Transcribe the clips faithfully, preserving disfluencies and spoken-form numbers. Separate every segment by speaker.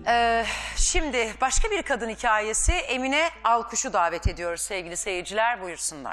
Speaker 1: Ee, şimdi başka bir kadın hikayesi, Emine Alkuş'u davet ediyoruz sevgili seyirciler, buyursunlar.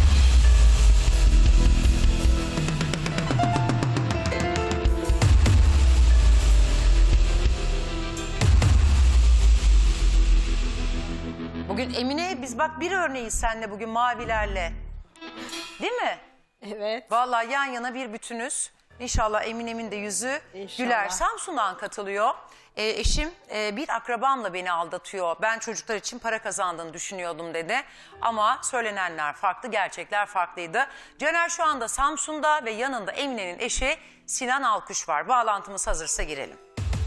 Speaker 1: Bugün Emine, biz bak bir örneğiz seninle bugün mavilerle. Değil mi?
Speaker 2: Evet.
Speaker 1: Vallahi yan yana bir bütünüz. İnşallah Emine'min de yüzü
Speaker 2: İnşallah.
Speaker 1: güler. Samsun'dan katılıyor. E, eşim e, bir akrabamla beni aldatıyor. Ben çocuklar için para kazandığını düşünüyordum dedi. Ama söylenenler farklı, gerçekler farklıydı. Caner şu anda Samsun'da ve yanında Emine'nin eşi Sinan Alkuş var. Bağlantımız hazırsa girelim.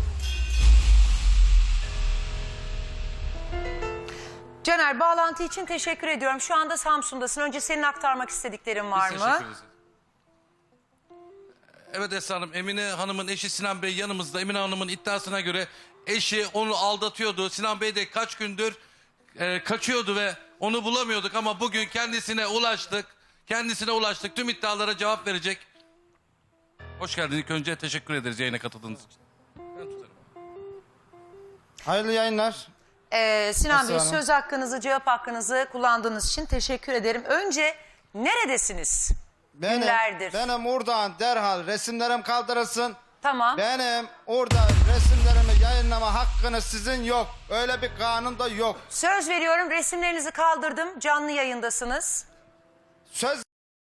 Speaker 1: Caner, bağlantı için teşekkür ediyorum. Şu anda Samsun'dasın. Önce senin aktarmak istediklerin var
Speaker 3: Biz
Speaker 1: mı?
Speaker 3: teşekkür ederiz. Evet Esra Hanım, Emine Hanım'ın eşi Sinan Bey yanımızda. Emine Hanım'ın iddiasına göre eşi onu aldatıyordu. Sinan Bey de kaç gündür e, kaçıyordu ve onu bulamıyorduk ama bugün kendisine ulaştık. Kendisine ulaştık. Tüm iddialara cevap verecek. Hoş geldiniz. İlk önce teşekkür ederiz yayına katıldığınız için. Ben tutarım.
Speaker 4: Hayırlı yayınlar.
Speaker 1: Ee, Sinan Bey,
Speaker 4: Esra Hanım.
Speaker 1: söz hakkınızı, cevap hakkınızı kullandığınız için teşekkür ederim. Önce neredesiniz?
Speaker 4: Benim,
Speaker 1: Günlerdir.
Speaker 4: benim oradan derhal resimlerim kaldırılsın.
Speaker 1: Tamam.
Speaker 4: Benim orada resimlerimi yayınlama hakkınız sizin yok. Öyle bir kanun da yok.
Speaker 1: Söz veriyorum, resimlerinizi kaldırdım. Canlı yayındasınız.
Speaker 4: Söz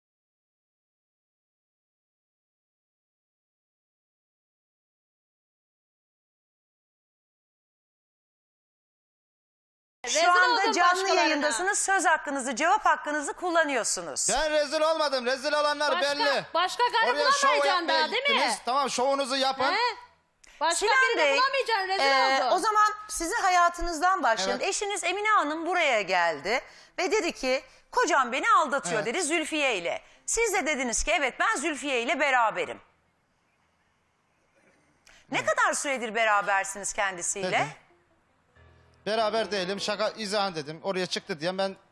Speaker 2: Rezil
Speaker 1: Şu anda
Speaker 2: oldun
Speaker 1: canlı
Speaker 2: başkalarına.
Speaker 1: yayındasınız. Söz hakkınızı, cevap hakkınızı kullanıyorsunuz.
Speaker 4: ben rezil olmadım. Rezil olanlar
Speaker 2: Başka,
Speaker 4: belli.
Speaker 2: başka karı
Speaker 4: Oraya şov
Speaker 2: bulamayacaksın
Speaker 4: yapmaya
Speaker 2: daha değil mi?
Speaker 4: gittiniz. Tamam, şovunuzu yapın.
Speaker 2: He? Başka
Speaker 1: Sinan
Speaker 2: birini
Speaker 1: Bey,
Speaker 2: bulamayacaksın, rezil
Speaker 1: e,
Speaker 2: oldun.
Speaker 1: o zaman sizin hayatınızdan başlayalım.
Speaker 4: Evet.
Speaker 1: Eşiniz Emine Hanım buraya geldi ve dedi ki kocam beni aldatıyor
Speaker 4: Evet.
Speaker 1: dedi Zülfiye ile. Siz de dediniz ki evet, ben Zülfiye ile beraberim. Ne kadar süredir berabersiniz kendisiyle?
Speaker 4: Dedim. Beraber değilim. Şaka izah dedim. Oraya çıktı diye ben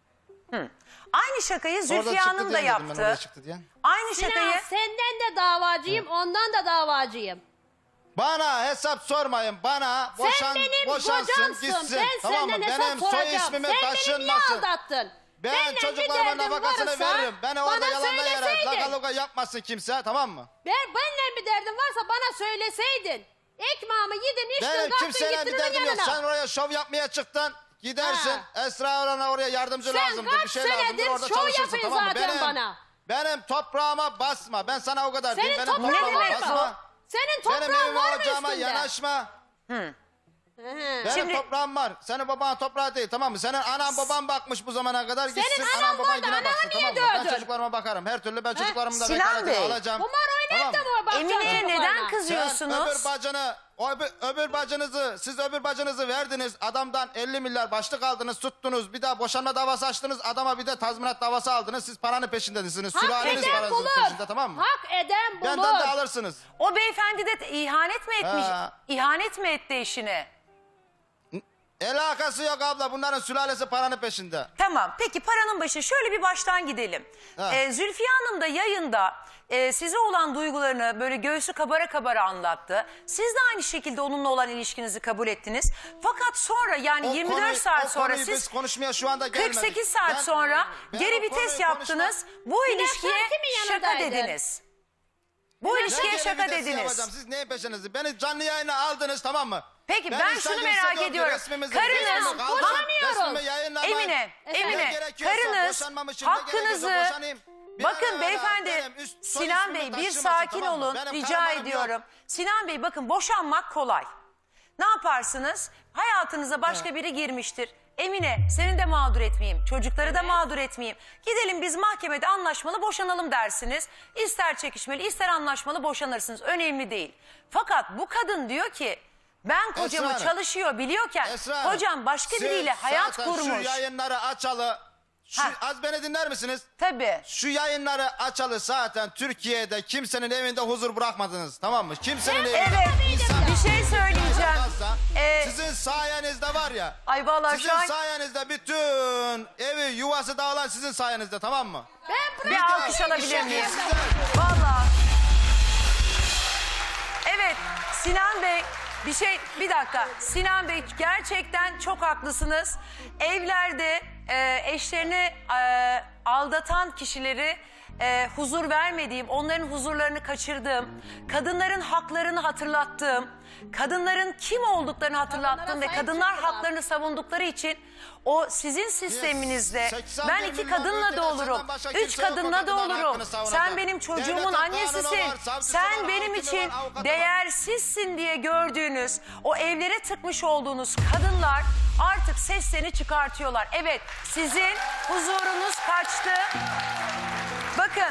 Speaker 1: Aynı şakayı
Speaker 4: orada
Speaker 1: Zülfiye
Speaker 4: çıktı
Speaker 1: Hanım da
Speaker 4: diye dedim ben oraya
Speaker 1: yaptı.
Speaker 4: çıktı diye.
Speaker 1: Aynı
Speaker 2: Sinan,
Speaker 1: şakayı...
Speaker 2: senden de davacıyım, ondan da davacıyım.
Speaker 4: Bana hesap sormayın. Bana
Speaker 2: Sen
Speaker 4: boşan,
Speaker 2: benim
Speaker 4: boşansın
Speaker 2: kocamsın.
Speaker 4: gitsin.
Speaker 2: Ben
Speaker 4: Tamam mı?
Speaker 2: senden hesap
Speaker 4: Benim soy
Speaker 2: soracağım.
Speaker 4: ismimi
Speaker 2: Sen beni niye
Speaker 4: taşınmasın.
Speaker 2: aldattın?
Speaker 4: Ben
Speaker 2: Benimle bir
Speaker 4: çocuklarıma
Speaker 2: derdin
Speaker 4: nafakasını
Speaker 2: varsa
Speaker 4: veririm. Beni orada
Speaker 2: bana
Speaker 4: yalandan yere
Speaker 2: söyleseydin.
Speaker 4: lagaluga yapmasın kimse, tamam mı?
Speaker 2: Ben, benimle bir derdin varsa bana söyleseydin. Ekmeğimi yedin, içtin,
Speaker 4: Benim
Speaker 2: kalktın,
Speaker 4: kimseyle
Speaker 2: gittin
Speaker 4: bir derdim
Speaker 2: onun
Speaker 4: yok.
Speaker 2: yanına.
Speaker 4: Sen oraya şov yapmaya çıktın. Gidersin. Esra Orhan'a oraya yardımcı
Speaker 2: Sen
Speaker 4: lazımdır.
Speaker 2: kaç
Speaker 4: Bir şey lazımdır.
Speaker 2: senedir
Speaker 4: Orada
Speaker 2: şov
Speaker 4: çalışırsın,
Speaker 2: yapıyorsun
Speaker 4: tamam mı?
Speaker 2: zaten
Speaker 4: Benim,
Speaker 2: bana.
Speaker 4: benim toprağıma basma. Ben sana o kadar diyeyim.
Speaker 2: Senin
Speaker 4: Benim
Speaker 2: toprağın
Speaker 4: toprağıma
Speaker 2: var mı?
Speaker 4: basma.
Speaker 2: Senin
Speaker 4: Benim
Speaker 2: toprağın
Speaker 4: evime
Speaker 2: var mı
Speaker 4: ocağıma
Speaker 2: üstünde?
Speaker 4: yanaşma.
Speaker 2: Hı.
Speaker 4: Benim
Speaker 1: Şimdi-
Speaker 4: toprağım var. Senin babanın toprağı değil, tamam mı? Senin anan baban bakmış bu zamana kadar.
Speaker 2: Senin
Speaker 4: Gitsin
Speaker 2: anan
Speaker 4: anan baban
Speaker 2: vardı,
Speaker 4: yine
Speaker 2: ananı
Speaker 4: baksın,
Speaker 2: niye
Speaker 4: tamam mı? Ben
Speaker 2: dövdün?
Speaker 4: çocuklarıma bakarım. Her türlü ben çocuklarımı da
Speaker 1: Sinan
Speaker 4: vekaletini
Speaker 1: Bey,
Speaker 4: alacağım.
Speaker 2: Kumar oynayıp da
Speaker 4: Tamam
Speaker 2: mı bakacaksın
Speaker 1: Emine'ye
Speaker 2: çocuklarına?
Speaker 1: neden kızıyorsunuz?
Speaker 4: Sen öbür bacını, o öbür, öbür bacınızı, siz öbür bacınızı verdiniz. Adamdan elli milyar başlık aldınız, tuttunuz. Bir daha boşanma davası açtınız. Adama bir de tazminat davası aldınız. Siz paranın peşindesiniz.
Speaker 2: Hak
Speaker 4: Sülaleniz
Speaker 2: eden
Speaker 4: paranızın
Speaker 2: bulur.
Speaker 4: peşinde, tamam mı?
Speaker 2: Hak eden bulur.
Speaker 4: Benden de alırsınız.
Speaker 1: O beyefendi de ihanet mi etmiş?
Speaker 4: Ha.
Speaker 1: İhanet mi etti eşine?
Speaker 4: Alakası yok abla. Bunların sülalesi paranın peşinde.
Speaker 1: Tamam, peki paranın başı, şöyle bir baştan gidelim.
Speaker 4: Ha.
Speaker 1: Ee, Zülfiye Hanım da yayında e, size olan duygularını böyle göğsü kabara kabara anlattı. Siz de aynı şekilde onunla olan ilişkinizi kabul ettiniz. Fakat sonra yani
Speaker 4: O
Speaker 1: yirmi dört
Speaker 4: konuyu-
Speaker 1: saat
Speaker 4: o
Speaker 1: sonra
Speaker 4: konuyu
Speaker 1: siz
Speaker 4: biz konuşmaya şu anda gelmedik.
Speaker 1: kırk sekiz saat
Speaker 4: Ben-
Speaker 1: sonra
Speaker 4: ben
Speaker 1: geri
Speaker 4: o
Speaker 1: vites
Speaker 4: konuyu
Speaker 1: yaptınız. Bu
Speaker 2: Bir de
Speaker 1: ilişkiye
Speaker 2: sen kimin
Speaker 1: şaka
Speaker 2: yanındaydın?
Speaker 1: dediniz. Bu
Speaker 4: Ne
Speaker 1: ilişkiye
Speaker 4: geri
Speaker 1: şaka
Speaker 4: vitesi
Speaker 1: dediniz.
Speaker 4: yapacağım? Siz neyin peşinizde? Beni canlı yayına aldınız, tamam mı?
Speaker 1: Peki, ben
Speaker 4: insan
Speaker 1: şunu
Speaker 4: gibi
Speaker 1: merak
Speaker 4: hissediyorum ki
Speaker 1: ediyorum.
Speaker 4: resmimizi-
Speaker 1: Karınız-
Speaker 4: resmimi kaldırın,
Speaker 2: Boşanıyorum.
Speaker 4: resmimi yayınlamayın.
Speaker 1: Emine,
Speaker 2: Efendim?
Speaker 1: Emine,
Speaker 4: Ne gerekiyorsa
Speaker 1: karınız
Speaker 4: boşanmam için ne gerekiyorsa
Speaker 1: hakkınızı...
Speaker 4: boşanayım. Bir an
Speaker 1: Bakın
Speaker 4: evvel
Speaker 1: beyefendi,
Speaker 4: benim üst- soy
Speaker 1: Sinan
Speaker 4: ismimi
Speaker 1: Bey bir
Speaker 4: taşımasın,
Speaker 1: sakin
Speaker 4: tamam mı?
Speaker 1: olun,
Speaker 4: Benim
Speaker 1: rica
Speaker 4: karımarım yok.
Speaker 1: ediyorum. Sinan Bey, bakın, boşanmak kolay. Ne yaparsınız? Hayatınıza başka biri girmiştir. Emine, seni de mağdur etmeyeyim, çocukları da mağdur etmeyeyim. Gidelim biz mahkemede anlaşmalı boşanalım dersiniz. İster çekişmeli, ister anlaşmalı boşanırsınız. Önemli değil. Fakat bu kadın diyor ki, ben kocamı
Speaker 4: Hanım,
Speaker 1: çalışıyor biliyorken
Speaker 4: Esra Hanım,
Speaker 1: kocam başka
Speaker 4: siz
Speaker 1: biriyle hayat
Speaker 4: zaten
Speaker 1: kurmuş.
Speaker 4: Şu yayınları açalı, şu,
Speaker 1: Ha.
Speaker 4: az beni dinler misiniz?
Speaker 1: Tabii.
Speaker 4: Şu yayınları açalı zaten Türkiye'de kimsenin evinde huzur bırakmadınız, tamam mı? Kimsenin evinde.
Speaker 1: Evet,
Speaker 4: İnsan-
Speaker 1: bir şey söyleyeceğim.
Speaker 4: Kalsa,
Speaker 1: Ee,
Speaker 4: sizin sayenizde var ya.
Speaker 1: Ay vallahi
Speaker 4: Sizin
Speaker 1: şu an
Speaker 4: sayenizde bütün evi yuvası dağılan sizin sayenizde, tamam mı?
Speaker 2: Ben
Speaker 1: bir
Speaker 2: buraya
Speaker 1: alkış alabilir miyim?
Speaker 4: Sizler.
Speaker 1: Vallahi. Evet, Sinan Bey, Bir şey, bir dakika. Sinan Bey gerçekten çok haklısınız. Evlerde e, eşlerini e, aldatan kişileri e, huzur vermediğim, onların huzurlarını kaçırdığım, kadınların haklarını hatırlattığım, kadınların kim olduklarını hatırlattığım
Speaker 2: Kadınlara
Speaker 1: ve
Speaker 2: sahip
Speaker 1: kadınlar
Speaker 2: çıktılar.
Speaker 1: haklarını savundukları için o sizin sisteminizde
Speaker 4: seksen
Speaker 1: ben
Speaker 4: bir
Speaker 1: iki
Speaker 4: milyon
Speaker 1: kadınla da
Speaker 4: ülkede
Speaker 1: olurum,
Speaker 4: senden başka
Speaker 1: üç
Speaker 4: kimse yok o
Speaker 1: kadınla da
Speaker 4: kadınların
Speaker 1: olurum.
Speaker 4: hakkını savunan.
Speaker 1: Sen benim çocuğumun
Speaker 4: Devletin kanunu
Speaker 1: annesisin.
Speaker 4: var, savcısı
Speaker 1: Sen
Speaker 4: var,
Speaker 1: benim
Speaker 4: hakimi
Speaker 1: için
Speaker 4: var, avukatı var.
Speaker 1: değersizsin diye gördüğünüz o evlere tıkmış olduğunuz kadınlar artık seslerini çıkartıyorlar. Evet, sizin huzurunuz kaçtı. Bakın,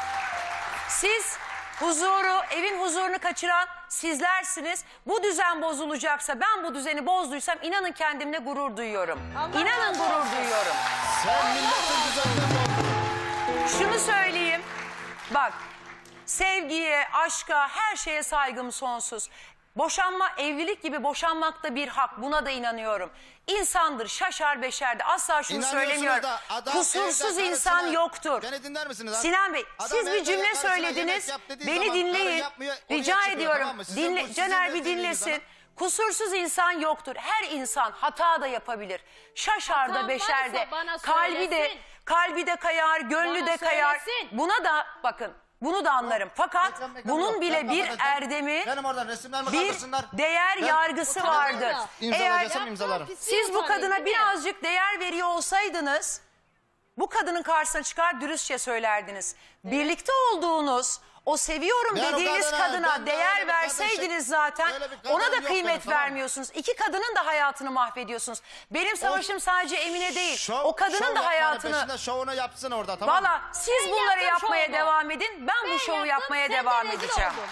Speaker 1: siz huzuru, evin huzurunu kaçıran sizlersiniz. Bu düzen bozulacaksa, ben bu düzeni bozduysam inanın kendimle gurur duyuyorum.
Speaker 2: Allah
Speaker 1: İnanın
Speaker 2: razı
Speaker 1: gurur
Speaker 2: olsun.
Speaker 1: duyuyorum.
Speaker 4: Sen milletin düzenini bozdun.
Speaker 1: Şunu söyleyeyim. Bak, sevgiye, aşka, her şeye saygım sonsuz. Boşanma, evlilik gibi boşanmak da bir hak. Buna da inanıyorum. İnsandır, şaşar beşerdi. Asla şunu
Speaker 4: İnanıyorsunuz
Speaker 1: söylemiyorum.
Speaker 4: da adam
Speaker 1: Kusursuz
Speaker 4: evde
Speaker 1: insan
Speaker 4: karısına-
Speaker 1: yoktur.
Speaker 4: Beni dinler misiniz? ha?
Speaker 1: Sinan Bey,
Speaker 4: Adam
Speaker 1: siz bir
Speaker 4: evde
Speaker 1: cümle
Speaker 4: karısına yemek
Speaker 1: söylediniz.
Speaker 4: yap dediği
Speaker 1: Beni
Speaker 4: zaman karı
Speaker 1: dinleyin.
Speaker 4: yapmıyor, oraya
Speaker 1: Rica
Speaker 4: çıkıyor,
Speaker 1: ediyorum.
Speaker 4: tamam mı? Sizin
Speaker 1: Dinle,
Speaker 4: bu- sizin
Speaker 1: Caner bir
Speaker 4: dediğiniz
Speaker 1: dinlesin.
Speaker 4: zaman-
Speaker 1: Kusursuz insan yoktur. Her insan hata da yapabilir. Şaşar da
Speaker 2: Hatam
Speaker 1: beşer de.
Speaker 2: varsa bana
Speaker 1: Kalbi de
Speaker 2: söylesin.
Speaker 1: kalbi de kayar, gönlü
Speaker 2: Bana
Speaker 1: de kayar.
Speaker 2: söylesin.
Speaker 1: Buna da bakın. Bunu da anlarım. Fakat
Speaker 4: Reklam, reklam
Speaker 1: bunun
Speaker 4: yok.
Speaker 1: bile
Speaker 4: Ben
Speaker 1: bir
Speaker 4: kapatacağım.
Speaker 1: erdemi,
Speaker 4: Benim oradan resimlerimi
Speaker 1: bir
Speaker 4: kaldırsınlar.
Speaker 1: değer
Speaker 4: Ben-
Speaker 1: yargısı
Speaker 2: Utanmaz
Speaker 1: vardır.
Speaker 2: da.
Speaker 1: Eğer
Speaker 4: İmzalayacağım imzalarım.
Speaker 1: siz bu kadına birazcık değer veriyor olsaydınız, bu kadının karşısına çıkar dürüstçe söylerdiniz. Birlikte olduğunuz, o seviyorum
Speaker 4: Ben o
Speaker 1: dediğiniz
Speaker 4: kadına-
Speaker 1: kadına
Speaker 4: ben de öyle
Speaker 1: değer
Speaker 4: bir kadın
Speaker 1: verseydiniz
Speaker 4: şey-
Speaker 1: zaten
Speaker 4: öyle bir kadın
Speaker 1: ona da
Speaker 4: yok
Speaker 1: kıymet
Speaker 4: benim, tamam mı?
Speaker 1: vermiyorsunuz. İki kadının da hayatını mahvediyorsunuz. Benim savaşım sadece Emine değil.
Speaker 4: Şov-
Speaker 1: o kadının
Speaker 4: şov
Speaker 1: da
Speaker 4: yapmanın
Speaker 1: hayatını...
Speaker 4: peşinde şovunu yapsın orada, tamam mı?
Speaker 1: Valla siz
Speaker 2: Ben
Speaker 1: bunları
Speaker 2: yaptım
Speaker 1: yapmaya
Speaker 2: şovumu.
Speaker 1: devam edin. Ben,
Speaker 2: Ben
Speaker 1: bu şovu
Speaker 2: yaptım,
Speaker 1: yapmaya
Speaker 2: sen de
Speaker 1: devam
Speaker 2: rezil
Speaker 1: edeceğim.
Speaker 2: oldun.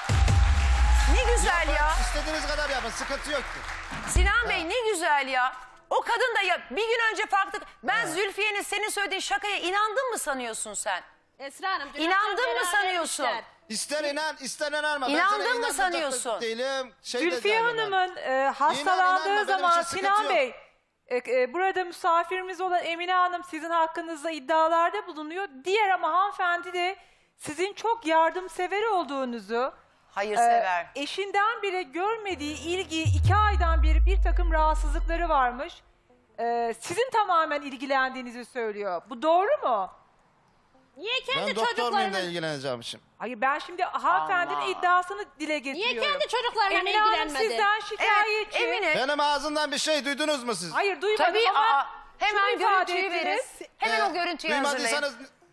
Speaker 1: Ne güzel
Speaker 4: Yapın,
Speaker 1: ya.
Speaker 4: İstediğiniz kadar yapın, sıkıntı yok ki.
Speaker 1: Sinan Bey ne güzel ya. O kadın da ya bir gün önce farklı... Ben Zülfiye'nin senin söylediğin şakaya inandın mı sanıyorsun sen?
Speaker 2: Esra Hanım. dün
Speaker 1: İnandın
Speaker 2: akşam
Speaker 1: mı
Speaker 2: beraber
Speaker 1: sanıyorsun?
Speaker 2: işler.
Speaker 4: İster inan, ister inanma. Ben
Speaker 1: İnandın
Speaker 4: sana
Speaker 1: mı
Speaker 4: inandıracak da
Speaker 1: sanıyorsun?
Speaker 4: Değilim. Şey de
Speaker 5: Zülfiye
Speaker 4: değilim yani.
Speaker 5: Hanım'ın e, hastalandığı
Speaker 4: İnan, inanma, benim
Speaker 5: zaman
Speaker 4: için sıkıntı
Speaker 5: Sinan
Speaker 4: yok.
Speaker 5: Bey, e, e, burada misafirimiz olan Emine Hanım sizin hakkınızda iddialarda bulunuyor. Diğer ama hanımefendi de sizin çok yardımsever olduğunuzu, e,
Speaker 1: Hayırsever.
Speaker 5: eşinden bile görmediği ilgiyi iki aydan beri bir takım rahatsızlıkları varmış. E, sizin tamamen ilgilendiğinizi söylüyor. Bu doğru mu?
Speaker 2: Niye
Speaker 4: Ben
Speaker 2: kendi
Speaker 4: doktor muyum da
Speaker 2: çocuklarının...
Speaker 4: ilgileneceğim şimdi.
Speaker 5: Hayır, ben şimdi hanımefendinin
Speaker 1: Allah.
Speaker 5: iddiasını dile getiriyorum.
Speaker 2: kendi çocuklarla
Speaker 5: Emine Hanım
Speaker 2: ilgilenmedi?
Speaker 5: sizden
Speaker 1: Evet
Speaker 5: şikayetçi.
Speaker 1: Emine.
Speaker 4: Benim ağzımdan bir şey duydunuz mu siz?
Speaker 5: Hayır duymadım
Speaker 1: Tabii
Speaker 5: ama
Speaker 1: aa, hemen
Speaker 5: şunu ifade
Speaker 1: görüntüyü verin.
Speaker 5: ettiniz.
Speaker 1: Hemen
Speaker 4: Ee,
Speaker 1: o görüntüyü hazırlayın.
Speaker 4: Duymadıysanız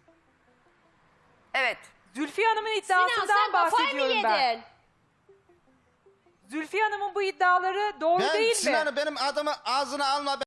Speaker 1: Evet.
Speaker 5: Zülfiye Hanım'ın
Speaker 2: Sinan
Speaker 5: iddiasından
Speaker 2: sen kafayı mı
Speaker 5: bahsediyorum ben.
Speaker 2: yedin?
Speaker 5: Zülfiye Hanım'ın bu iddiaları doğru
Speaker 4: ben
Speaker 5: değil mi?
Speaker 4: Sinan'ı benim adımı ağzına alma.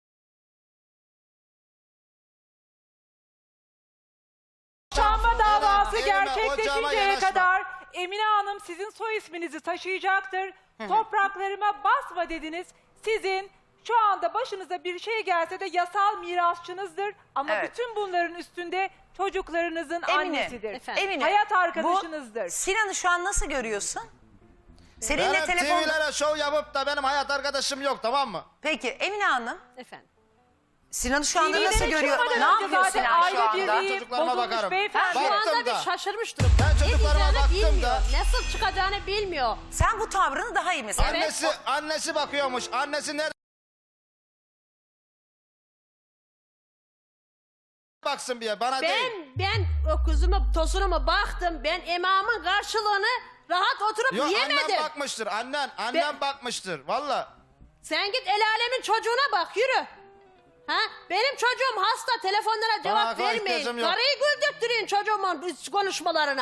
Speaker 5: Boşanma davası
Speaker 4: Elime, elime, ocağıma
Speaker 5: gerçekleşinceye
Speaker 4: yanaşma.
Speaker 5: kadar Emine Hanım sizin soy isminizi taşıyacaktır. Topraklarıma basma dediniz. Sizin şu anda başınıza bir şey gelse de yasal mirasçınızdır. Ama
Speaker 1: Evet.
Speaker 5: bütün bunların üstünde çocuklarınızın
Speaker 1: Emine.
Speaker 5: annesidir.
Speaker 2: Efendim?
Speaker 1: Emine.
Speaker 5: Hayat
Speaker 1: Bu
Speaker 5: arkadaşınızdır.
Speaker 1: Sinan'ı şu an nasıl görüyorsun? Seninle
Speaker 4: Benim
Speaker 1: telefonda...
Speaker 4: T V'lere şov yapıp da benim hayat arkadaşım yok, tamam mı?
Speaker 1: Peki Emine Hanım,
Speaker 2: Efendim.
Speaker 1: Sinan'ı şu anda
Speaker 5: T V'lere
Speaker 1: nasıl görüyor?
Speaker 5: çıkmadan
Speaker 1: Ne
Speaker 5: önce
Speaker 1: yapıyor
Speaker 5: zaten
Speaker 1: Sinan şu
Speaker 5: aile
Speaker 1: anda?
Speaker 5: birliği
Speaker 4: Çocuklarıma
Speaker 5: bozulmuş
Speaker 4: bakarım.
Speaker 5: beyefendi.
Speaker 2: Şu
Speaker 4: Baktım
Speaker 2: anda bir
Speaker 4: da.
Speaker 2: şaşırmış durumda.
Speaker 4: Ben
Speaker 2: Ne
Speaker 4: çocuklarıma
Speaker 2: diyeceğini
Speaker 4: baktım
Speaker 2: bilmiyor.
Speaker 4: da.
Speaker 2: Nasıl çıkacağını bilmiyor.
Speaker 1: Sen bu tavrını daha iyi mesela.
Speaker 4: Annesi annesi bakıyormuş. Annesi nerede? Baksın bir ya, bana
Speaker 2: Ben
Speaker 4: değil.
Speaker 2: ben o kuzumu tosunumu baktım. Ben imamın karşılığını rahat oturup
Speaker 4: Yok,
Speaker 2: yemedim.
Speaker 4: annem bakmıştır. Annen, annem
Speaker 2: Ben-
Speaker 4: bakmıştır. Valla.
Speaker 2: Sen git el alemin çocuğuna bak yürü. Ha? Benim çocuğum hasta, telefonlara cevap
Speaker 4: akla
Speaker 2: vermeyin.
Speaker 4: ihtiyacım yok.
Speaker 2: Karıyı güldürttürün çocuğumun bu konuşmalarına.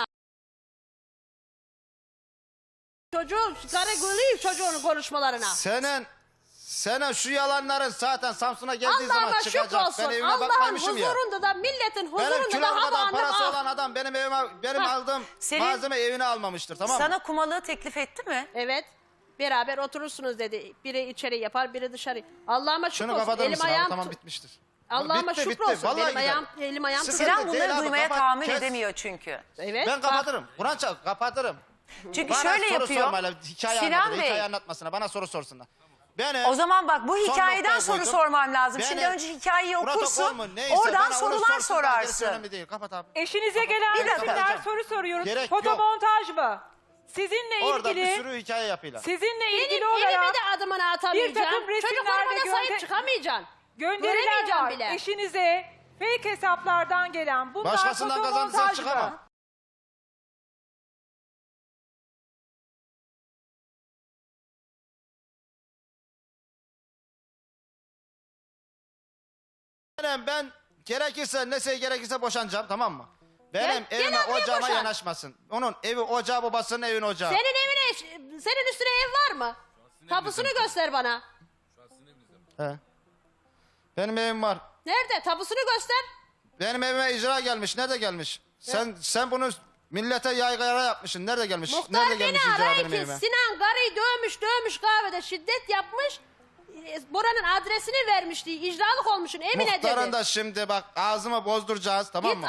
Speaker 2: Çocuğu, karı gülüyor çocuğun konuşmalarına.
Speaker 4: Senin senin şu yalanların zaten Samsun'a geldiği zaman
Speaker 2: Allah'ıma
Speaker 4: çıkacak.
Speaker 2: şükür olsun.
Speaker 4: Ben evime
Speaker 2: Allah'ın
Speaker 4: bakmamışım ya.
Speaker 2: huzurunda da milletin
Speaker 4: Benim
Speaker 2: huzurunda
Speaker 4: kilo
Speaker 2: da
Speaker 4: kadar
Speaker 2: hava
Speaker 4: parası
Speaker 2: anlam
Speaker 4: olan adam benim evime benim
Speaker 2: Ha,
Speaker 4: aldığım
Speaker 1: senin-
Speaker 4: malzeme evine almamıştır, tamam mı?
Speaker 1: Sana kumalığı teklif etti mi?
Speaker 2: Evet. Beraber oturursunuz dedi. Biri içeri yapar, biri dışarı. Allah'ıma şükür
Speaker 4: Şunu
Speaker 2: olsun.
Speaker 4: kapatır
Speaker 2: Elim
Speaker 4: mısın abi?
Speaker 2: ayağım
Speaker 4: Tamam,
Speaker 2: tu-
Speaker 4: bitmiştir.
Speaker 2: Allah'ıma
Speaker 4: Bitti,
Speaker 2: şükür
Speaker 4: bitti.
Speaker 2: olsun.
Speaker 4: Vallahi
Speaker 2: Benim
Speaker 4: gider.
Speaker 2: ayağım, elim ayağım
Speaker 4: Sıkıntı
Speaker 2: tutuyor.
Speaker 1: Sinan
Speaker 4: değil
Speaker 1: bunları
Speaker 4: abi,
Speaker 1: duymaya
Speaker 4: kapat,
Speaker 1: tahammül
Speaker 4: kes.
Speaker 1: edemiyor çünkü.
Speaker 2: Evet.
Speaker 4: Ben
Speaker 2: bak.
Speaker 4: kapatırım. Kur'an çal, kapatırım.
Speaker 1: Çünkü
Speaker 4: Bana
Speaker 1: şöyle
Speaker 4: soru
Speaker 1: yapıyor.
Speaker 4: sormayla hikaye
Speaker 1: Sinan
Speaker 4: anlatır,
Speaker 1: Bey,
Speaker 4: hikaye anlatmasına bana soru sorsunlar. Beni
Speaker 1: o zaman bak bu
Speaker 4: son
Speaker 1: hikayeden
Speaker 4: noktaya
Speaker 1: soru
Speaker 4: koydum.
Speaker 1: sormam lazım.
Speaker 4: Beni-
Speaker 1: Şimdi önce hikayeyi
Speaker 4: protokol
Speaker 1: okursun,
Speaker 4: mu, neyse,
Speaker 1: oradan
Speaker 4: bana onu
Speaker 1: sorular
Speaker 4: sorsunlar, gerisi
Speaker 1: sorarsın.
Speaker 4: önemli değil. Kapat abi.
Speaker 5: Eşinize gelen
Speaker 1: Bir dakika.
Speaker 5: resimler soru soruyoruz.
Speaker 4: Gerek
Speaker 5: Foto
Speaker 4: yok.
Speaker 5: montaj mı? sizinle
Speaker 4: Orada
Speaker 5: ilgili
Speaker 4: bir sürü hikaye yapıyorlar.
Speaker 5: sizinle
Speaker 2: Benim
Speaker 5: ilgili
Speaker 2: evime
Speaker 5: olarak
Speaker 2: de adımını atamayacağım.
Speaker 5: takım resimler
Speaker 2: Çocuklarıma
Speaker 5: ve
Speaker 2: da sahip
Speaker 5: gönder-
Speaker 2: çıkamayacaksın.
Speaker 5: gönderiler
Speaker 2: Göremeyeceğim
Speaker 5: var.
Speaker 2: bile.
Speaker 5: Eşinize fake hesaplardan gelen bunlar
Speaker 4: Başkasından kazandı sen
Speaker 5: fotomontaj
Speaker 4: çıkamam.
Speaker 5: mı?
Speaker 4: Benim ben gerekirse ne şey gerekirse boşanacağım, tamam mı? Benim
Speaker 2: Gel- gel
Speaker 4: evime
Speaker 2: abiye
Speaker 4: ocağıma
Speaker 2: boşan.
Speaker 4: yanaşmasın. Onun evi ocağı, babasının evin ocağı.
Speaker 2: Senin evine, senin üstüne ev var mı? Tapusunu göster bana.
Speaker 4: He. Benim evim var.
Speaker 2: Nerede? Tapusunu göster.
Speaker 4: Benim evime icra gelmiş. Nerede gelmiş? Sen sen bunu millete yaygara yapmışsın. Nerede gelmiş?
Speaker 2: Muhtar
Speaker 4: Nerede
Speaker 2: beni
Speaker 4: gelmiş icra
Speaker 2: aray
Speaker 4: benim
Speaker 2: ki
Speaker 4: evime?
Speaker 2: Sinan karıyı dövmüş dövmüş kahvede şiddet yapmış. E, Bora'nın adresini vermişti. İcralık olmuşsun Emine
Speaker 4: Muhtarın
Speaker 2: dedi.
Speaker 4: da şimdi bak ağzımı bozduracağız, tamam
Speaker 2: Git
Speaker 4: mı?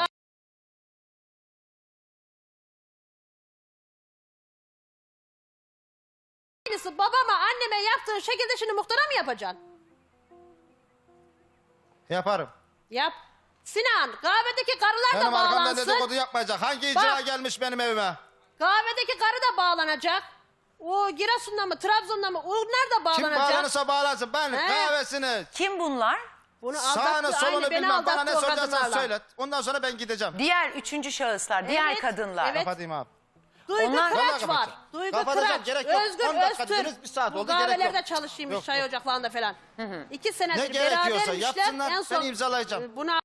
Speaker 2: Aynısı babama anneme yaptığın şekilde şimdi muhtara mı yapacaksın?
Speaker 4: Yaparım.
Speaker 2: Yap. Sinan kahvedeki karılar
Speaker 4: Benim
Speaker 2: da
Speaker 4: arkamdan
Speaker 2: bağlansın.
Speaker 4: dedikodu yapmayacak. Hangi icra
Speaker 2: Bak.
Speaker 4: gelmiş benim evime?
Speaker 2: Kahvedeki karı da bağlanacak. O Giresun'da mı Trabzon'da mı onlar da
Speaker 4: Kim
Speaker 2: bağlanacak.
Speaker 4: bağlanırsa bağlansın. Ben
Speaker 2: He.
Speaker 4: kahvesini,
Speaker 1: Kim bunlar?
Speaker 2: Bunu
Speaker 4: sağını
Speaker 2: aldattı.
Speaker 4: solunu
Speaker 2: Aynı beni
Speaker 4: bilmem. Bana ne
Speaker 2: aldattı o
Speaker 4: soracaksan
Speaker 2: kadınlarla.
Speaker 4: söyle. Ondan sonra ben gideceğim.
Speaker 1: Diğer üçüncü şahıslar, diğer
Speaker 2: Evet,
Speaker 1: kadınlar.
Speaker 2: evet.
Speaker 4: Kapatayım abi.
Speaker 2: Duygu
Speaker 1: Onlar-
Speaker 2: Kıraç
Speaker 4: Vallahi
Speaker 2: var.
Speaker 4: kapatacağım.
Speaker 2: Duygu
Speaker 4: Kapatacağım,
Speaker 2: Kıraç.
Speaker 4: gerek yok.
Speaker 2: Özgür
Speaker 4: on dakika
Speaker 2: Öztürk.
Speaker 4: dediniz, bir saat
Speaker 2: Bu
Speaker 4: oldu, gerek yok.
Speaker 2: kahvelerde çalışıymış
Speaker 4: Yok,
Speaker 2: çay
Speaker 4: yok.
Speaker 2: ocaklarında falan. İki senedir
Speaker 4: Ne gerekiyorsa
Speaker 2: berabermişler.
Speaker 4: yapsınlar,
Speaker 2: En son
Speaker 4: ben imzalayacağım.
Speaker 2: e, Buna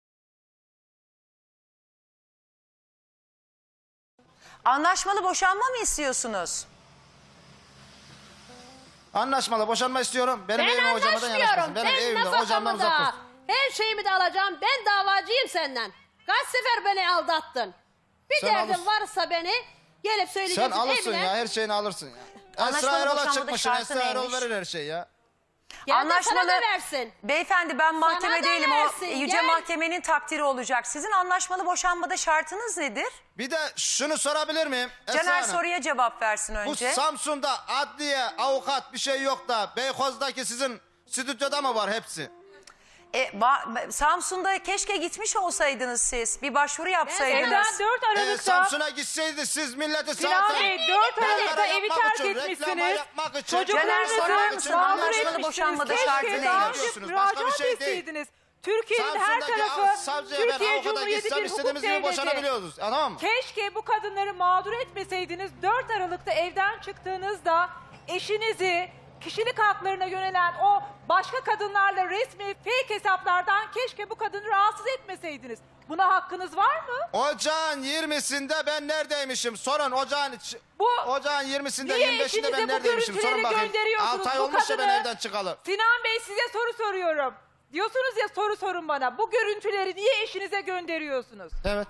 Speaker 1: Anlaşmalı boşanma mı istiyorsunuz?
Speaker 4: Anlaşmalı boşanma istiyorum. Benim
Speaker 2: ben
Speaker 4: evime ocağıma da yanaşmasın.
Speaker 2: anlaşmıyorum.
Speaker 4: Benim
Speaker 2: Ben
Speaker 4: evimden ocağımdan
Speaker 2: nafakamı
Speaker 4: uzak
Speaker 2: da,
Speaker 4: dursun.
Speaker 2: her şeyimi de alacağım. Ben davacıyım senden. Kaç sefer beni aldattın. Bir
Speaker 4: Sen
Speaker 2: derdin
Speaker 4: alırsın.
Speaker 2: varsa beni gelip söyleyeceksin
Speaker 4: Sen alırsın
Speaker 2: evine.
Speaker 4: ya, her şeyini alırsın ya.
Speaker 1: Anlaşmalı
Speaker 4: Esra Erol'a
Speaker 1: boşanmada
Speaker 4: çıkmışsın.
Speaker 1: şartı
Speaker 4: Esra Erol
Speaker 1: neymiş?
Speaker 4: verir her şeyi ya.
Speaker 2: Gel de
Speaker 1: Anlaşmalı.
Speaker 2: sana da versin.
Speaker 1: Beyefendi ben mahkeme
Speaker 2: da
Speaker 1: değilim. O
Speaker 2: versin,
Speaker 1: yüce
Speaker 2: gel.
Speaker 1: mahkemenin takdiri olacak. Sizin anlaşmalı boşanmada şartınız nedir?
Speaker 4: Bir de şunu sorabilir miyim? Esra
Speaker 1: Caner
Speaker 4: Hanım?
Speaker 1: soruya cevap versin
Speaker 4: Bu
Speaker 1: önce.
Speaker 4: Samsun'da adliye, avukat bir şey yok da Beykoz'daki sizin stüdyoda mı var hepsi?
Speaker 1: E, ba- Samsun'da keşke gitmiş olsaydınız siz. Bir başvuru
Speaker 5: Evden
Speaker 1: yapsaydınız.
Speaker 5: dört
Speaker 4: Ee,
Speaker 5: Aralık'ta
Speaker 4: Samsun'a gitseydi siz milleti
Speaker 5: Sinan
Speaker 4: zaten...
Speaker 5: Bey dört Aralık'ta
Speaker 4: Reklam
Speaker 5: evi
Speaker 4: yapmak
Speaker 5: terk
Speaker 4: için, reklama
Speaker 5: etmişsiniz.
Speaker 4: yapmak için,
Speaker 1: Caner,
Speaker 5: Çocuklarınızı
Speaker 1: sorar mısın?
Speaker 5: mağdur
Speaker 1: Anlaşmalı
Speaker 5: etmişsiniz.
Speaker 1: boşanmada
Speaker 5: Keşke
Speaker 1: şartı
Speaker 5: daha
Speaker 1: neydi?
Speaker 5: önce
Speaker 4: Diyorsunuz, başka bir
Speaker 5: müracaat
Speaker 4: şey değil.
Speaker 5: etseydiniz. Türkiye'nin her
Speaker 4: Samsun'daki
Speaker 5: tarafı
Speaker 4: savcıya ben
Speaker 5: Türkiye
Speaker 4: avukata
Speaker 5: Cumhuriyeti
Speaker 4: gitsem
Speaker 5: bir hukuk
Speaker 4: istediğimiz gibi
Speaker 5: devleti.
Speaker 4: boşanabiliyoruz. Anladın mı?
Speaker 5: Keşke bu kadınları mağdur etmeseydiniz. dört Aralık'ta evden çıktığınızda eşinizi kişilik haklarına yönelen o başka kadınlarla resmi fake hesaplardan keşke bu kadını rahatsız etmeseydiniz. Buna hakkınız var mı?
Speaker 4: Ocağın yirmisinde ben neredeymişim? Sorun ocağın... iç-
Speaker 5: Bu-
Speaker 4: Ocağın yirmisinde
Speaker 5: Niye
Speaker 4: yirmi beşinde
Speaker 5: eşinize
Speaker 4: ben
Speaker 5: bu
Speaker 4: neredeymişim? Sorun
Speaker 5: görüntüleri
Speaker 4: bakayım.
Speaker 5: gönderiyorsunuz?
Speaker 4: altı ay
Speaker 5: Bu
Speaker 4: olmuş ya ben
Speaker 5: kadını-
Speaker 4: evden çıkalı.
Speaker 5: Sinan Bey size soru soruyorum. Diyorsunuz ya soru sorun bana. Bu görüntüleri niye eşinize gönderiyorsunuz?
Speaker 4: Evet.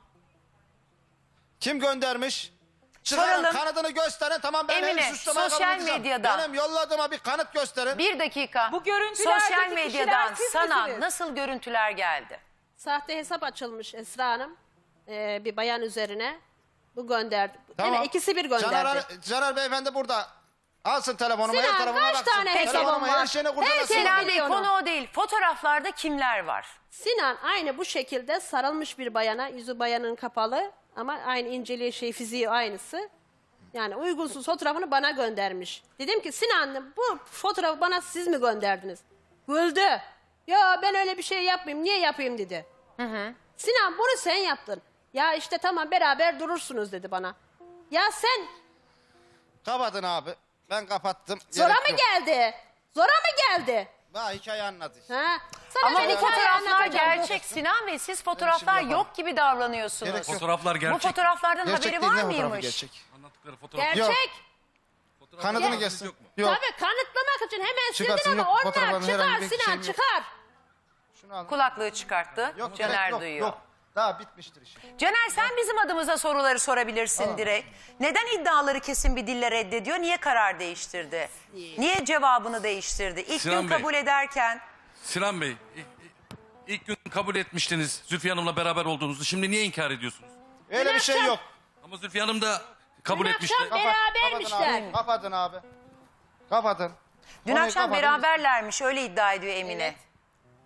Speaker 4: Kim göndermiş? Çıkarın
Speaker 1: Soralım.
Speaker 4: kanıtını gösterin, tamam ben
Speaker 1: Emine,
Speaker 4: evi suçlamaya
Speaker 1: sosyal
Speaker 4: kabul edeceğim.
Speaker 1: medyada-
Speaker 4: Benim yolladığıma bir kanıt gösterin.
Speaker 1: Bir dakika.
Speaker 5: Bu görüntülerdeki
Speaker 1: Sosyal
Speaker 5: kişiler
Speaker 1: medyadan
Speaker 5: siz
Speaker 1: sana
Speaker 5: misiniz?
Speaker 1: nasıl görüntüler geldi?
Speaker 2: Sahte hesap açılmış Esra Hanım. Ee, bir bayan üzerine. Bu gönderdi.
Speaker 4: Tamam.
Speaker 2: Yine ikisi bir gönderdi.
Speaker 4: Caner, Caner Beyefendi burada. Alsın telefonumu,
Speaker 2: Sinan,
Speaker 4: her tarafıma
Speaker 2: kaç
Speaker 4: baksın.
Speaker 2: tane hesabın
Speaker 4: Telefonumu,
Speaker 2: var?
Speaker 4: her şeyini kurcalasın.
Speaker 2: Herkes
Speaker 1: Sinan
Speaker 2: biliyor
Speaker 1: Bey
Speaker 2: onu.
Speaker 1: konu o değil. Fotoğraflarda kimler var?
Speaker 2: Sinan aynı bu şekilde sarılmış bir bayana, yüzü bayanın kapalı ama aynı inceliği şey fiziği aynısı. Yani uygunsuz fotoğrafını bana göndermiş. Dedim ki Sinan bu fotoğrafı bana siz mi gönderdiniz? Güldü. Ya ben öyle bir şey yapmayayım, niye yapayım dedi. Sinan bunu sen yaptın. Ya işte tamam beraber durursunuz dedi bana. Ya sen
Speaker 4: Kapatın abi. Ben kapattım.
Speaker 2: zora
Speaker 4: Gerek
Speaker 2: mı
Speaker 4: yok.
Speaker 2: geldi? Zora mı geldi?
Speaker 4: Ha, hikaye anladı.
Speaker 2: Ha? Sana
Speaker 1: Ama
Speaker 2: ben
Speaker 1: bu
Speaker 2: hikaye
Speaker 1: fotoğraflar
Speaker 2: anlatacağım.
Speaker 1: gerçek Sinan Bey. Siz fotoğraflar
Speaker 4: şimdi
Speaker 1: yok gibi davranıyorsunuz.
Speaker 4: Gerek yok.
Speaker 3: Fotoğraflar
Speaker 1: Bu
Speaker 3: gerçek.
Speaker 1: fotoğraflardan
Speaker 4: Gerçek
Speaker 1: haberi
Speaker 4: değil,
Speaker 1: var
Speaker 4: ne fotoğrafı
Speaker 1: mıymış?
Speaker 4: gerçek?
Speaker 3: Anlattıkları fotoğraf.
Speaker 4: Yok.
Speaker 2: Gerçek.
Speaker 4: Kanıtını
Speaker 2: Yok.
Speaker 4: geçsin.
Speaker 3: Yok mu?
Speaker 4: Yok.
Speaker 2: Tabii kanıtlamak için hemen
Speaker 4: Çıkarsın,
Speaker 2: sildin ama
Speaker 4: yok.
Speaker 2: onlar
Speaker 4: Fotoğrafların
Speaker 2: çıkar
Speaker 4: herhangi bir
Speaker 2: Sinan
Speaker 4: şeyim yok.
Speaker 2: çıkar.
Speaker 4: Şunu al.
Speaker 1: Kulaklığı çıkarttı.
Speaker 4: Yok,
Speaker 1: Caner
Speaker 4: gerek yok,
Speaker 1: duyuyor.
Speaker 4: Yok. Daha bitmiştir iş.
Speaker 1: Caner sen bizim adımıza soruları sorabilirsin direkt. Neden iddiaları kesin bir dille reddediyor? Niye karar değiştirdi? Niye cevabını değiştirdi? İlk
Speaker 3: Sinan
Speaker 1: gün
Speaker 3: Bey.
Speaker 1: kabul ederken
Speaker 3: Sinan Bey, ilk, ilk gün kabul etmiştiniz Zülfiye Hanım'la beraber olduğunuzu. Şimdi niye inkar ediyorsunuz?
Speaker 4: Öyle bir şey
Speaker 2: akşam-
Speaker 4: yok.
Speaker 3: Ama Zülfiye Hanım da kabul
Speaker 2: Dün
Speaker 3: etmişti.
Speaker 2: akşam- Berabermişler.
Speaker 4: Kapatın abi. Kapatın abi. Kapatın.
Speaker 1: dün
Speaker 4: Konuyu
Speaker 1: akşam
Speaker 4: kapatın.
Speaker 1: beraberlermiş öyle iddia ediyor Emine.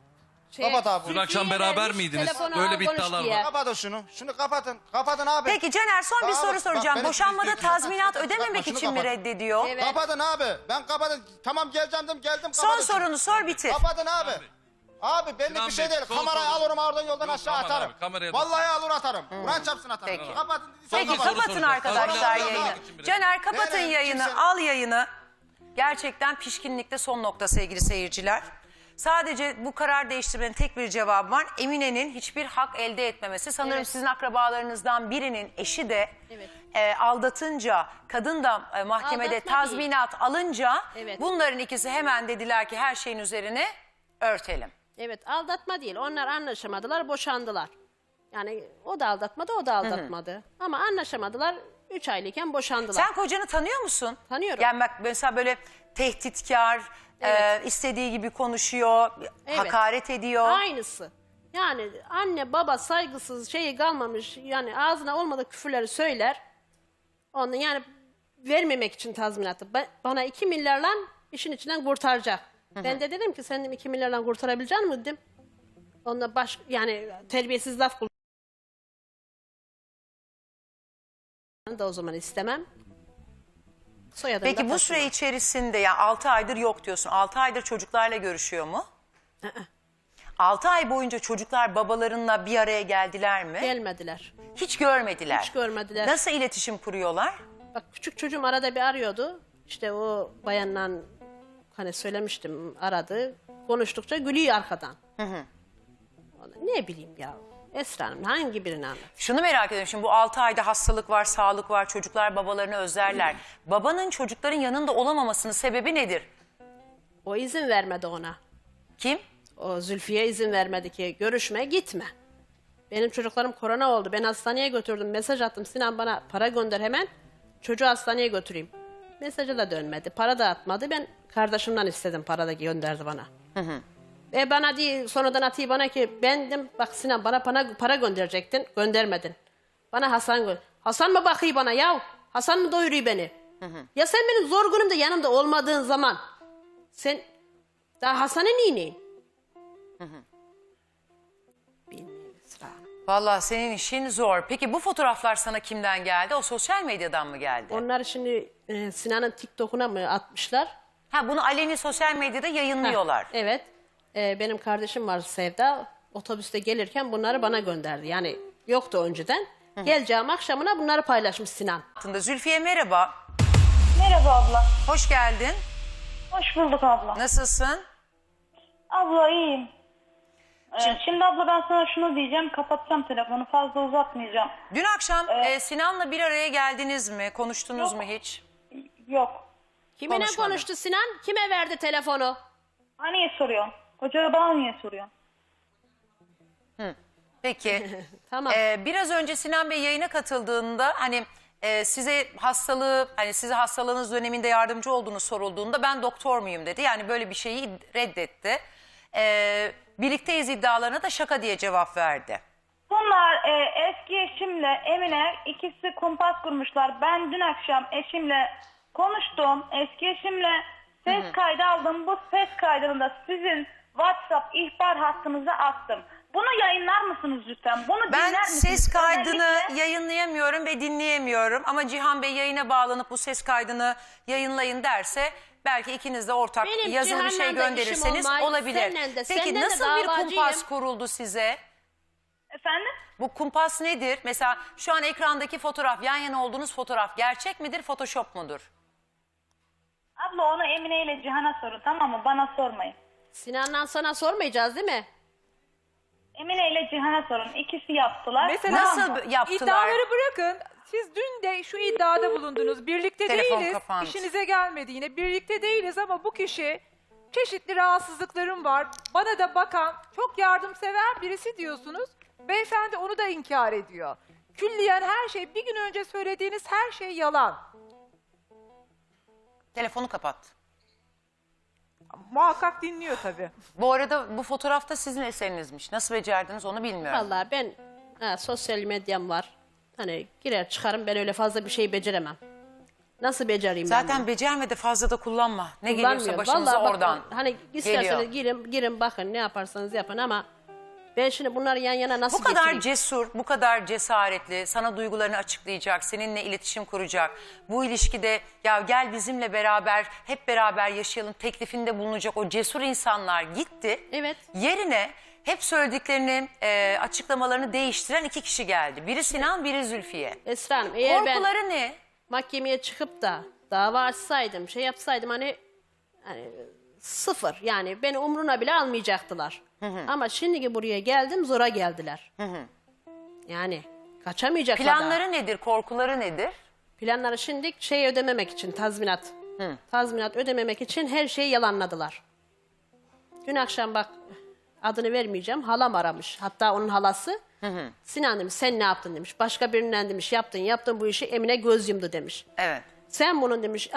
Speaker 2: Şey,
Speaker 4: Kapat abi.
Speaker 3: Dün akşam
Speaker 2: Zülfiye
Speaker 3: beraber
Speaker 2: vermiş,
Speaker 3: miydiniz?
Speaker 2: telefonu
Speaker 3: Böyle
Speaker 2: al,
Speaker 3: bir
Speaker 2: konuş
Speaker 3: iddialar
Speaker 2: diye.
Speaker 3: var.
Speaker 4: Kapatın şunu. Şunu kapatın. Kapatın abi.
Speaker 1: Peki Caner, son bir
Speaker 4: Abi,
Speaker 1: soru
Speaker 4: bak
Speaker 1: soracağım.
Speaker 4: beni
Speaker 1: Boşanmada
Speaker 4: izleyiciler-
Speaker 1: tazminat
Speaker 4: Bak,
Speaker 1: ödememek
Speaker 4: şunu
Speaker 1: için mi
Speaker 4: kapat.
Speaker 1: reddediyor?
Speaker 2: Evet.
Speaker 4: Kapatın abi. Ben kapatın. Tamam geleceğim dedim geldim.
Speaker 1: Son
Speaker 4: kapatın şunu.
Speaker 1: sorunu sor bitir.
Speaker 4: Kapatın abi. Abi benlik
Speaker 3: Sinan
Speaker 4: bir şey
Speaker 3: Bey,
Speaker 4: değil.
Speaker 3: son
Speaker 4: Kamerayı
Speaker 3: soru.
Speaker 4: alırım oradan yoldan
Speaker 3: Yok,
Speaker 4: aşağı
Speaker 3: aman
Speaker 4: atarım.
Speaker 3: abi, kameraya da-
Speaker 4: Vallahi alır atarım. Kur'an çarpsın atarım.
Speaker 1: Peki.
Speaker 4: Kapatın.
Speaker 1: Peki
Speaker 3: soru
Speaker 1: kapatın
Speaker 3: soracağım.
Speaker 1: arkadaşlar
Speaker 3: Tazminat
Speaker 1: yayını.
Speaker 3: ödemek için mi
Speaker 1: Caner kapatın
Speaker 4: Nereye?
Speaker 1: yayını,
Speaker 4: Kimse-
Speaker 1: al yayını. Gerçekten pişkinlikte son nokta sevgili seyirciler. Sadece bu karar değiştirmenin tek bir cevabı var. Emine'nin hiçbir hak elde etmemesi. Sanırım
Speaker 2: Evet.
Speaker 1: sizin akrabalarınızdan birinin eşi de
Speaker 2: Evet.
Speaker 1: e, aldatınca, kadın da e, mahkemede
Speaker 2: Aldatma
Speaker 1: tazminat alınca
Speaker 2: Evet.
Speaker 1: bunların ikisi hemen dediler ki her şeyin üzerine örtelim.
Speaker 2: Evet, aldatma değil. Onlar anlaşamadılar, boşandılar. Yani o da aldatmadı, o da aldatmadı. Ama anlaşamadılar, üç aylıkken boşandılar.
Speaker 1: Sen kocanı tanıyor musun?
Speaker 2: Tanıyorum.
Speaker 1: Yani bak mesela böyle tehditkar,
Speaker 2: Evet.
Speaker 1: e, istediği gibi konuşuyor,
Speaker 2: Evet.
Speaker 1: hakaret ediyor.
Speaker 2: Aynısı. Yani anne baba saygısız şeyi kalmamış. Yani ağzına olmadık küfürleri söyler. Onu yani vermemek için tazminatı. Ba- Bana iki milyarla işin içinden kurtaracak. Ben de dedim ki sen dedim, iki milyarla kurtarabilecek misin dedim. Onunla baş yani terbiyesiz laf kullandı da o zaman istemem. Soyadını da
Speaker 1: Peki bu
Speaker 2: taşımam.
Speaker 1: süre içerisinde ya altı aydır yok diyorsun. altı aydır çocuklarla görüşüyor mu? altı ay boyunca çocuklar babalarınla bir araya geldiler mi?
Speaker 2: Gelmediler.
Speaker 1: Hiç görmediler.
Speaker 2: Hiç görmediler.
Speaker 1: Nasıl iletişim kuruyorlar?
Speaker 2: Bak küçük çocuğum arada bir arıyordu. İşte o bayanla hani söylemiştim aradı. Konuştukça gülüyor arkadan. Vallahi ne bileyim ya. Esra Hanım hangi birini anlat?
Speaker 1: Şunu merak ediyorum. Şimdi bu altı ayda hastalık var, sağlık var. Çocuklar babalarını özlerler. Babanın çocukların yanında olamamasının sebebi nedir?
Speaker 2: O izin vermedi ona.
Speaker 1: Kim?
Speaker 2: O Zülfiye izin vermedi ki görüşme gitme. Benim çocuklarım korona oldu. Ben hastaneye götürdüm. Mesaj attım. Sinan bana para gönder hemen. Çocuğu hastaneye götüreyim. Mesajı da dönmedi. Para da atmadı. Ben kardeşimden istedim. Para da gönderdi bana. E bana diye sonradan atıyor bana ki ben dedim bak Sinan bana para, para gönderecektin. Göndermedin. Bana Hasan gö Hasan mı bakıyor bana ya? Hasan mı doyuruyor beni? Ya sen benim zor günümde yanımda olmadığın zaman sen daha Hasan'ı niye neyin? Bilmiyorum Esra Hanım.
Speaker 1: Vallahi senin işin zor. Peki bu fotoğraflar sana kimden geldi? O sosyal medyadan mı geldi?
Speaker 2: Onlar şimdi e, Sinan'ın TikTok'una mı atmışlar?
Speaker 1: Ha bunu aleni sosyal medyada yayınlıyorlar.
Speaker 2: Evet. E, benim kardeşim var Sevda. Otobüste gelirken bunları bana gönderdi. Yani yoktu önceden. Geleceğim akşamına bunları paylaşmış Sinan.
Speaker 1: Altında Zülfiye merhaba.
Speaker 6: Merhaba abla.
Speaker 1: Hoş geldin.
Speaker 6: Hoş bulduk abla.
Speaker 1: Nasılsın?
Speaker 6: Abla iyiyim. Ee, şimdi abla ben sana şunu diyeceğim. Kapatacağım telefonu. Fazla uzatmayacağım.
Speaker 1: Dün akşam e, Sinan'la bir araya geldiniz mi? Konuştunuz
Speaker 6: Yok.
Speaker 1: mu hiç?
Speaker 6: Yok.
Speaker 2: Kiminle
Speaker 1: Konuşmadı.
Speaker 2: konuştu Sinan? Kime verdi telefonu?
Speaker 6: Ha niye soruyorsun? Kocaya bana niye soruyorsun?
Speaker 1: Peki.
Speaker 2: Tamam.
Speaker 1: Ee, biraz önce Sinan Bey yayına katıldığında hani e, size hastalığı hani size hastalığınız döneminde yardımcı olduğunu sorulduğunda ben doktor muyum dedi. Yani böyle bir şeyi reddetti. Ee, birlikteyiz iddialarına da şaka diye cevap verdi.
Speaker 6: Bunlar e, eski eşimle Emine ikisi kumpas kurmuşlar. Ben dün akşam eşimle konuştum. Eski eşimle ses kaydı aldım. Bu ses kaydını da sizin WhatsApp ihbar hattınıza attım. Bunu yayınlar mısınız lütfen? Bunu
Speaker 1: Ben
Speaker 6: dinler misiniz?
Speaker 1: ses kaydını
Speaker 6: Özellikle-
Speaker 1: yayınlayamıyorum ve dinleyemiyorum ama Cihan Bey yayına bağlanıp bu ses kaydını yayınlayın derse belki ikiniz de ortak
Speaker 2: Benim
Speaker 1: yazılı bir şey
Speaker 2: Cihan'la da işim
Speaker 1: gönderirseniz
Speaker 2: olmay,
Speaker 1: olabilir.
Speaker 2: seninle de,
Speaker 1: Peki
Speaker 2: senden de
Speaker 1: nasıl bir
Speaker 2: davacıyım.
Speaker 1: kumpas kuruldu size?
Speaker 6: Efendim?
Speaker 1: Bu kumpas nedir? Mesela şu an ekrandaki fotoğraf, yan yana olduğunuz fotoğraf gerçek midir, photoshop mudur?
Speaker 6: Abla onu Emine ile Cihan'a sorun, tamam mı? Bana sormayın.
Speaker 2: Sinan'dan sana sormayacağız değil mi?
Speaker 6: Emine ile Cihan'a sorun. İkisi yaptılar.
Speaker 5: Mesela
Speaker 1: Nasıl
Speaker 6: Tamam mı?
Speaker 1: yaptılar?
Speaker 5: İddiaları bırakın. Siz dün de şu iddiada bulundunuz. Birlikte
Speaker 1: Telefon
Speaker 5: değiliz.
Speaker 1: kapandı.
Speaker 5: İşinize gelmedi yine. Birlikte değiliz ama bu kişi çeşitli rahatsızlıklarım var. Bana da bakan, çok yardımsever birisi diyorsunuz. Beyefendi onu da inkar ediyor. Külliyen her şey, bir gün önce söylediğiniz her şey yalan.
Speaker 1: Telefonu kapat.
Speaker 5: Muhakkak dinliyor tabii.
Speaker 1: Bu arada bu fotoğrafta sizin eserinizmiş. Nasıl becerdiniz onu bilmiyorum.
Speaker 2: Vallahi ben ha, sosyal medyam var. Hani girer çıkarım ben öyle fazla bir şey beceremem. Nasıl becereyim ben
Speaker 1: Zaten
Speaker 2: bunu?
Speaker 1: becerme de fazla da kullanma. Ne geliyorsa
Speaker 2: Kullanmıyorum.
Speaker 1: başımıza
Speaker 2: Vallahi bak,
Speaker 1: oradan
Speaker 2: hani isterseniz
Speaker 1: geliyor.
Speaker 2: girin, girin bakın ne yaparsanız yapın ama ben şimdi bunları yan yana nasıl
Speaker 1: Bu kadar
Speaker 2: getireyim?
Speaker 1: cesur, bu kadar cesaretli, sana duygularını açıklayacak, seninle iletişim kuracak. Bu ilişkide ya gel bizimle beraber, hep beraber yaşayalım teklifinde bulunacak o cesur insanlar gitti.
Speaker 2: Evet.
Speaker 1: Yerine hep söylediklerini, e, açıklamalarını değiştiren iki kişi geldi. Biri Sinan, biri Zülfiye.
Speaker 2: Esra Hanım eğer ben
Speaker 1: Korkuları ne?
Speaker 2: mahkemeye çıkıp da dava açsaydım, şey yapsaydım hani, hani sıfır yani beni umruna bile almayacaktılar. Ama şimdiki buraya geldim zora geldiler. Yani kaçamayacaklar da.
Speaker 1: Planları nedir, korkuları nedir?
Speaker 2: Planları şimdi şey ödememek için tazminat. Tazminat ödememek için her şeyi yalanladılar. Dün akşam bak adını vermeyeceğim halam aramış. Hatta onun halası Sinan demiş sen ne yaptın demiş. Başka birinden demiş yaptın yaptın bu işi Emine göz yumdu demiş.
Speaker 1: Evet.
Speaker 2: Sen bunun demiş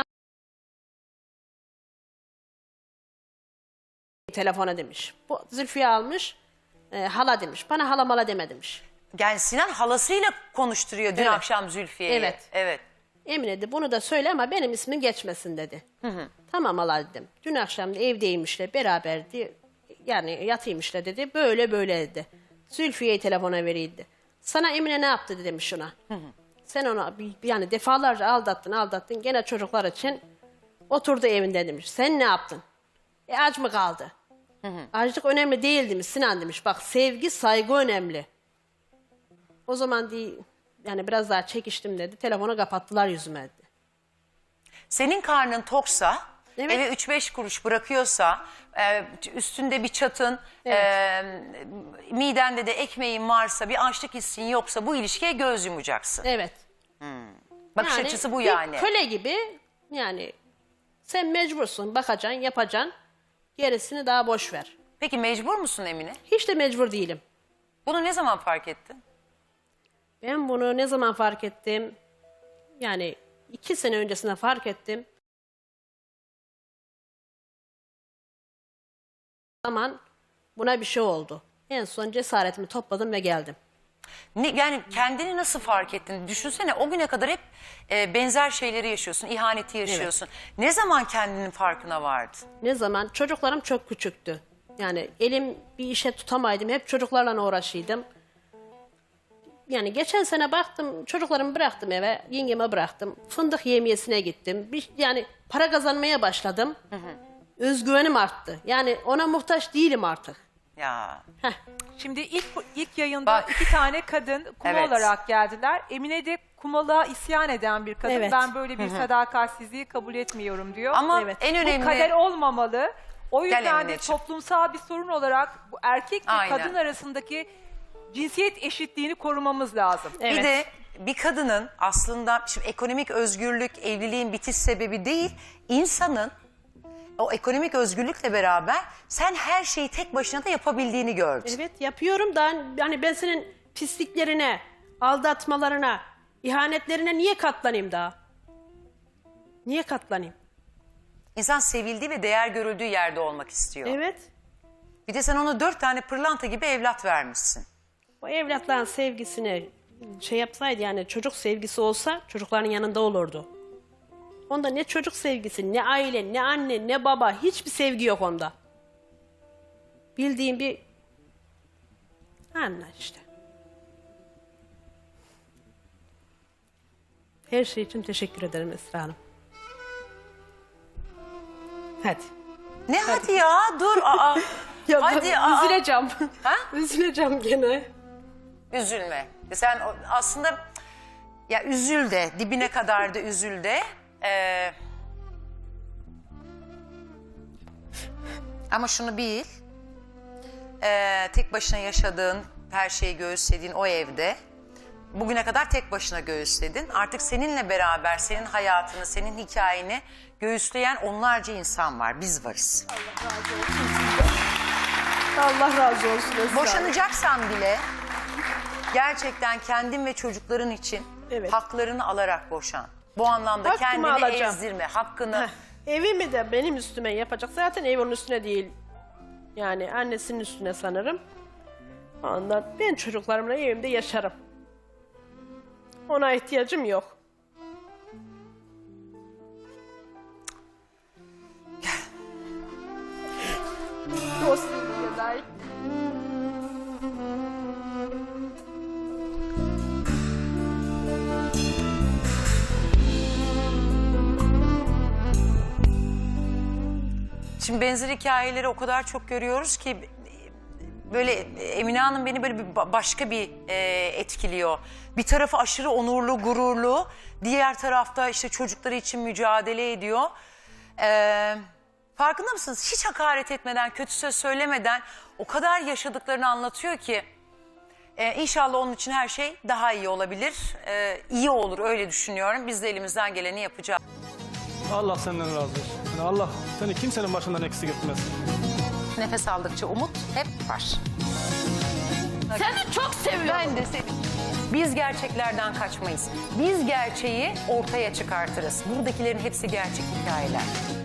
Speaker 2: telefona demiş. Bu Zülfiye almış e, hala demiş. Bana hala mala deme demiş.
Speaker 1: Yani Sinan halasıyla konuşturuyor dün
Speaker 2: Evet.
Speaker 1: akşam Zülfiye'yi.
Speaker 2: Evet.
Speaker 1: Evet.
Speaker 2: Emine de bunu da söyle ama benim ismim geçmesin dedi. Tamam hala dedim. Dün akşam da evdeymişler beraberdi. Yani yatıymışlar dedi. Böyle böyle dedi. Zülfiye'yi telefona veriydi. Sana Emine ne yaptı dedi demiş ona. Sen onu bir- yani defalarca aldattın aldattın. Gene çocuklar için oturdu evinde demiş. Sen ne yaptın? E aç mı kaldı? Açlık önemli değil demiş Sinan demiş. Bak sevgi saygı önemli. O zaman değil yani biraz daha çekiştim dedi. Telefonu kapattılar yüzüme dedi.
Speaker 1: Senin karnın toksa,
Speaker 2: Evet.
Speaker 1: eve üç beş kuruş bırakıyorsa, e, üstünde bir çatın, e, midende de ekmeğin varsa, bir açlık hissin yoksa bu ilişkiye göz yumacaksın.
Speaker 2: Evet.
Speaker 1: Bakış
Speaker 2: Yani
Speaker 1: açısı bu
Speaker 2: bir
Speaker 1: yani.
Speaker 2: köle gibi yani sen mecbursun bakacaksın yapacaksın. Gerisini daha boş ver.
Speaker 1: Peki mecbur musun Emine?
Speaker 2: Hiç de mecbur değilim.
Speaker 1: Bunu ne zaman fark ettin?
Speaker 2: Ben bunu ne zaman fark ettim? Yani iki sene öncesinde fark ettim. O zaman buna bir şey oldu. En son cesaretimi topladım ve geldim.
Speaker 1: Ne, yani kendini nasıl fark ettin? Düşünsene o güne kadar hep e, benzer şeyleri yaşıyorsun, ihaneti yaşıyorsun. Ne zaman kendinin farkına vardın?
Speaker 2: Ne zaman? Çocuklarım çok küçüktü. Yani elim bir işe tutamaydım. Hep çocuklarla uğraşıyordum. Yani geçen sene baktım çocuklarımı bıraktım eve. Yengeme bıraktım. Fındık yemiyesine gittim. Bir, yani para kazanmaya başladım. Özgüvenim arttı. Yani ona muhtaç değilim artık.
Speaker 1: Ya
Speaker 2: Heh.
Speaker 5: Şimdi ilk ilk yayında
Speaker 1: Bak.
Speaker 5: iki tane kadın kuma
Speaker 1: Evet.
Speaker 5: olarak geldiler. Emine de kumalığa isyan eden bir kadın.
Speaker 2: Evet.
Speaker 5: Ben böyle bir sadakatsizliği kabul etmiyorum diyor.
Speaker 1: ama
Speaker 2: Evet.
Speaker 1: en
Speaker 5: Bu
Speaker 1: önemli...
Speaker 5: kader olmamalı. O
Speaker 1: Gel
Speaker 5: yüzden de
Speaker 1: Emineciğim.
Speaker 5: toplumsal bir sorun olarak bu erkek ve
Speaker 1: Aynen.
Speaker 5: kadın arasındaki cinsiyet eşitliğini korumamız lazım.
Speaker 2: Evet.
Speaker 1: Bir de bir kadının aslında şimdi ekonomik özgürlük evliliğin bitiş sebebi değil, insanın o ekonomik özgürlükle beraber sen her şeyi tek başına da yapabildiğini gördün.
Speaker 2: Evet yapıyorum da yani ben senin pisliklerine, aldatmalarına, ihanetlerine niye katlanayım daha? Niye katlanayım?
Speaker 1: İnsan sevildiği ve değer görüldüğü yerde olmak istiyor.
Speaker 2: Evet.
Speaker 1: Bir de sen ona dört tane pırlanta gibi evlat vermişsin.
Speaker 2: O evlatların sevgisini şey yapsaydı yani çocuk sevgisi olsa çocukların yanında olurdu. Onda ne çocuk sevgisi, ne aile, ne anne, ne baba hiçbir sevgi yok onda. Bildiğim bir anla işte. Her şey için teşekkür ederim Esra Hanım. Hadi.
Speaker 1: Ne hadi, ya dur aa.
Speaker 2: Ya
Speaker 1: hadi
Speaker 2: ben
Speaker 1: aa.
Speaker 2: üzüleceğim.
Speaker 1: Ha?
Speaker 2: Üzüleceğim gene.
Speaker 1: Üzülme. Sen o- aslında ya üzül de dibine kadar da üzül de. Ee, ama şunu bil. Ee, tek başına yaşadığın, her şeyi göğüslediğin o evde bugüne kadar tek başına göğüsledin. Artık seninle beraber senin hayatını, senin hikayeni göğüsleyen onlarca insan var. Biz varız.
Speaker 2: Allah razı olsun Esra Hanım.
Speaker 1: Boşanacaksan bile gerçekten kendin ve çocukların için
Speaker 2: Evet.
Speaker 1: haklarını alarak boşan. Bu anlamda
Speaker 2: Hakkımı
Speaker 1: kendini
Speaker 2: alacağım.
Speaker 1: ezdirme, hakkını...
Speaker 2: Heh, evimi de benim üstüme yapacak. Zaten ev onun üstüne değil. Yani annesinin üstüne sanırım. Ondan ben çocuklarımla evimde yaşarım. Ona ihtiyacım yok.
Speaker 1: Şimdi benzer hikayeleri o kadar çok görüyoruz ki böyle Emine Hanım beni böyle bir ba- başka bir e, etkiliyor. Bir tarafı aşırı onurlu, gururlu. Diğer tarafta işte çocukları için mücadele ediyor. Ee, farkında mısınız? Hiç hakaret etmeden, kötü söz söylemeden o kadar yaşadıklarını anlatıyor ki. Ee, inşallah onun için her şey daha iyi olabilir. Ee, iyi olur öyle düşünüyorum. Biz de elimizden geleni yapacağız.
Speaker 7: Allah senden razı olsun. Yani Allah seni kimsenin başından eksik etmez.
Speaker 1: Nefes aldıkça umut hep var.
Speaker 8: Seni çok seviyorum.
Speaker 1: Ben de seni. Biz gerçeklerden kaçmayız. Biz gerçeği ortaya çıkartırız. Buradakilerin hepsi gerçek hikayeler.